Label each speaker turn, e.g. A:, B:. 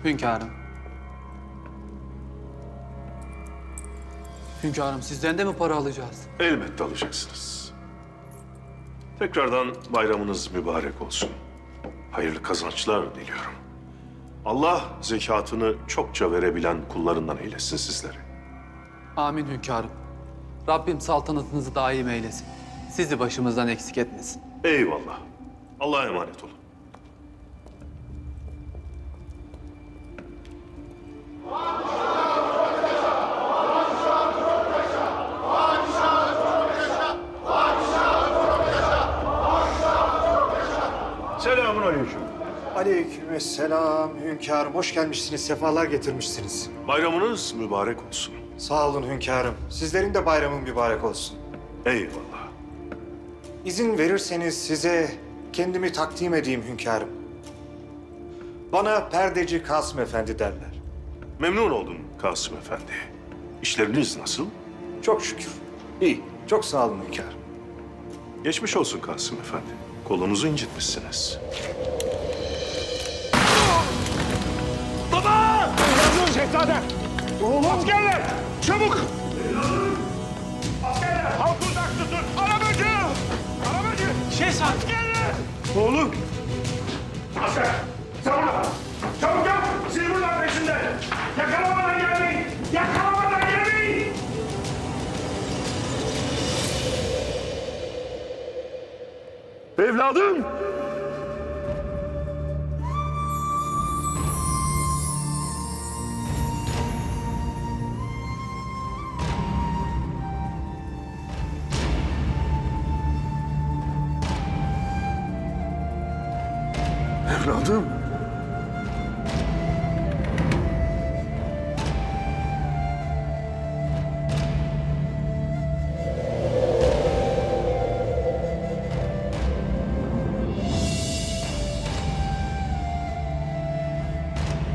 A: Hünkârım. Hünkârım, sizden de mi para alacağız?
B: Elbette alacaksınız. Tekrardan bayramınız mübarek olsun. Hayırlı kazançlar diliyorum. Allah zekatını çokça verebilen kullarından eylesin sizleri.
A: Amin hünkârım. Rabbim saltanatınızı daim eylesin. Sizi başımızdan eksik etmesin.
B: Eyvallah. Allah'a emanet olun. Selamünaleyküm.
C: Aleykümselam hünkârım. Hoş gelmişsiniz, sefalar getirmişsiniz.
B: Bayramınız mübarek olsun.
C: Sağ olun hünkârım. Sizlerin de bayramın mübarek olsun.
B: Eyvallah.
C: İzin verirseniz size kendimi takdim edeyim hünkârım. Bana perdeci Kasım Efendi derler.
B: Memnun oldum Kasım Efendi. İşleriniz nasıl?
C: Çok şükür. İyi. Çok sağ olun hünkârım.
B: Geçmiş olsun Kasım Efendi. Kolunuzu incitmişsiniz.
D: Baba! Yazın şehzadem! Oğlum! Askerler! Çabuk! Askerler! Halk uzak tutun! Arabacı! Arabacı! Şehzadem! Askerler! Oğlum! Asker! Savunma! Çabuk yap! Siz buradan peşinden! Yakalamadan gelmeyin! Yakalamadan gelmeyin! Evladım! Evladım!